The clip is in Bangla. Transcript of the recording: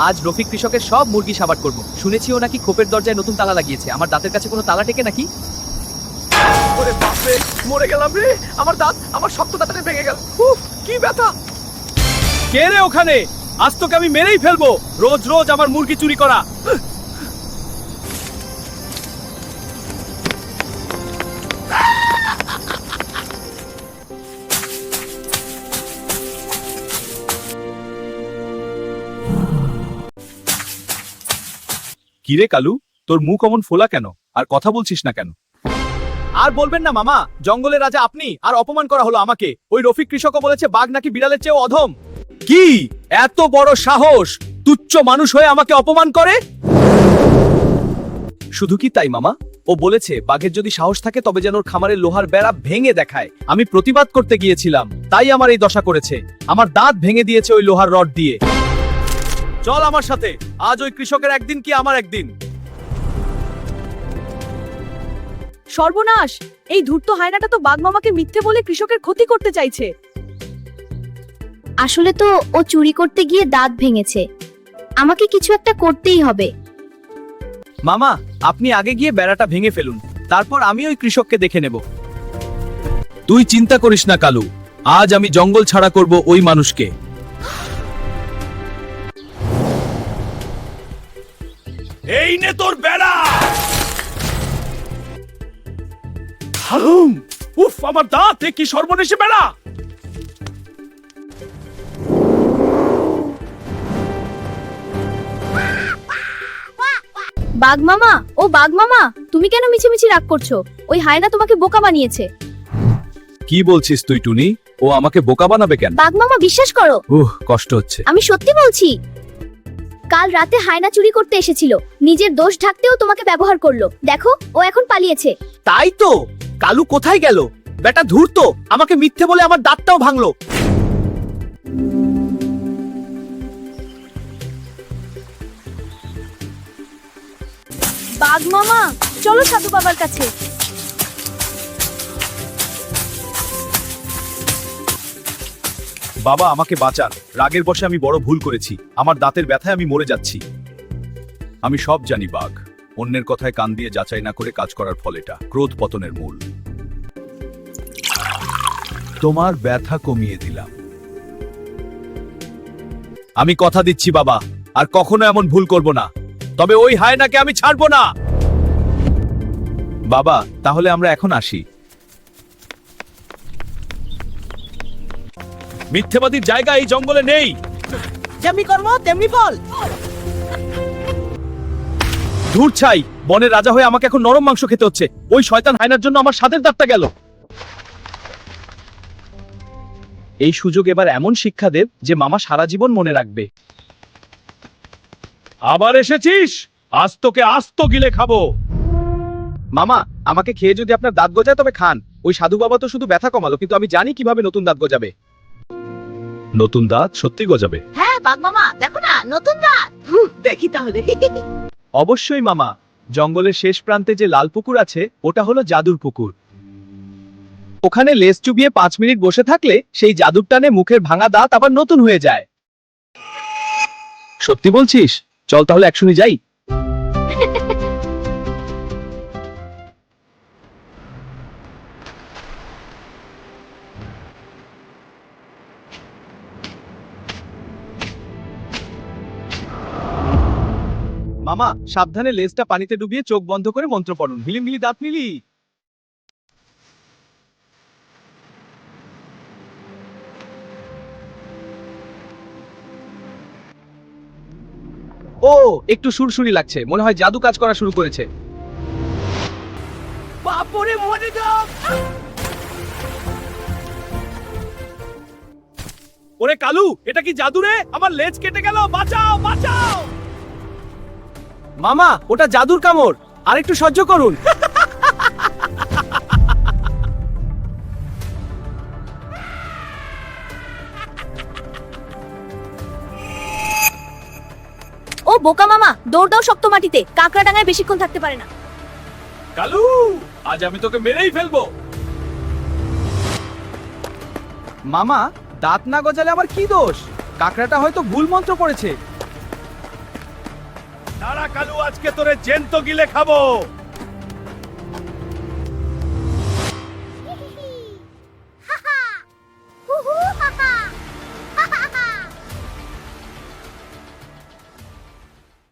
আজ রফিক কৃষকের সব মুরগি সাবাট করব। শুনেছি ও নাকি খোপের দরজায় নতুন তালা লাগিয়েছে। আমার দাঁতের কাছে কোনো তালা টেকে নাকি? ওরে বাপ রে, মরে গেলাম রে। আমার দাঁত, আমার শক্ত দাঁতটা ভেঙে গেল। উফ, কি ব্যথা। কে রে ওখানে? আজ তোকে আমি মেরেই ফেলবো। রোজ রোজ আমার মুরগি চুরি করা। কিরে কালু, তোর মুখ অমন ফোলা কেন? আর কথা বলছিস না কেন? আর বলবেন না মামা, জঙ্গলের রাজা আপনি, আর অপমান করা হলো আমাকে। ওই রফিক কৃষকও বলেছে বাঘ নাকি বিড়ালের চেয়েও অধম। কি এত বড় সাহস? তুচ্ছ মানুষ হয়ে আমাকে অপমান করে? শুধু কি তাই মামা, ও বলেছে বাঘের যদি সাহস থাকে তবে যেন ওর খামারের লোহার বেড়া ভেঙে দেখায়। আমি প্রতিবাদ করতে গিয়েছিলাম, তাই আমার এই দশা করেছে। আমার দাঁত ভেঙে দিয়েছে ওই লোহার রড দিয়ে। চল আমার সাথে, আজ ওই কৃষকের একদিন কি আমার একদিন। সর্বনাশ! এই ধূর্ত হায়নাটা তো বাঘ মামাকে মিথ্যে বলে কৃষকের ক্ষতি করতে চাইছে। আসলে তো ও চুরি করতে গিয়ে দাঁত ভেঙেছে। আমাকে কিছু একটা করতেই হবে। মামা, আপনি আগে গিয়ে বেড়াটা ভেঙে ফেলুন, তারপর আমি ওই কৃষককে দেখে নেব। তুই চিন্তা করিস না কালু, আজ আমি জঙ্গল ছাড়া করব ওই মানুষকে। এই নে তোর বেড়া। হালুম! উফ, আমার দাঁত, কি সর্বনেশে বেড়া। বাঘ মামা, ও বাঘ মামা, তুমি কেন মিছিমিছি রাগ করছো? ওই হায়না তোমাকে বোকা বানিয়েছে। কি বলছিস তুই টুনি? ও আমাকে বোকা বানাবে কেন? বাঘ মামা, বিশ্বাস করো, কষ্ট হচ্ছে। আমি সত্যি বলছি। কাল রাতে হায়না চুরি করতে এসেছিল, নিজের দোষ ঢাকতেও তোমাকে ব্যবহার করলো। দেখো, ও এখন পালিয়েছে। তাই তো, কালু কোথায় গেল? বেটা ধূর্ত, আমাকে মিথ্যে বলে আমার দাঁতটাও ভাঙলো। বাঘ মামা, চলো সাধু বাবার কাছে। বাবা, আমাকে বাঁচান। রাগের বশে আমি বড় ভুল করেছি। আমার দাঁতের ব্যথায় আমি মরে যাচ্ছি। আমি সব জানি বাঘ, অন্যের কথায় কান দিয়ে যাচাই না করে কাজ করার ফল এটা ক্রোধ পতনের মূল। তোমার ব্যথা কমিয়ে দিলাম। আমি কথা দিচ্ছি বাবা, আর কখনো এমন ভুল করব না। তবে ওই হায়নাকে আমি ছাড়বো না। বাবা, তাহলে আমরা এখন আসি। মিথ্যেবাদীর জায়গা এই জঙ্গলে নেই। যেমনি কর্ম তেমনি ফল। ধূর ছাই, বনের রাজা হয়ে আমাকে এখন নরম মাংস খেতে হচ্ছে। ওই শয়তান হায়নার জন্য আমার স্বাদের দাঁতটা গেল। এই সুযোগ এবার এমন শিক্ষা দেব যে মামা সারা জীবন মনে রাখবে। আবার এসেছিস? আজ তোকে আস্ত গিলে খাবো। মামা, আমাকে খেয়ে যদি আপনার দাঁত গজায় তবে খান। ওই সাধু বাবা তো শুধু ব্যথা কমালো, কিন্তু আমি জানি কিভাবে নতুন দাঁত গজাবে। নতুন দাঁত সত্যি গজাবে? হ্যাঁ বাঘ মামা, দেখো না নতুন দাঁত। দেখি তাহলে। অবশ্যই মামা, জঙ্গলের শেষ প্রান্তে যে লাল পুকুর আছে ওটা হলো জাদুর পুকুর। ওখানে লেজ চুবিয়ে 5 মিনিট বসে থাকলে সেই জাদুর টানে মুখের ভাঙা দাঁত আবার নতুন হয়ে যায়। সত্যি বলছিস? চল তাহলে একসঙ্গে যাই। মামা, সাবধানে লেজটা পানিতে ডুবিয়ে চোখ বন্ধ করে মন্ত্র পড়ুন। মিলি মিলি দাঁত মিলি। ও, একটু সুরসুরি লাগছে, মনে হয় জাদু কাজ করা শুরু করেছে। বাপরে মরে যাও। ওরে কালু, এটা কি জাদু রে? আমার লেজ কেটে গেল, বাঁচাও বাঁচাও। মামা, ওটা জাদুর কামড়, আর একটু সহ্য করুন। ও বোকা মামা, দৌড় দাও শক্ত মাটিতে। কাকড়া ডাঙায় বেশিক্ষণ থাকতে পারে না। কালু, আজ আমি তোকে মেরেই ফেলবো। মামা, দাঁত না গজালে আমার কি দোষ? কাকড়াটা হয়তো ভুল মন্ত্র পড়েছে। দাঁড়া কালু, আজকে তোরে জ্যান্ত গিলে খাবো।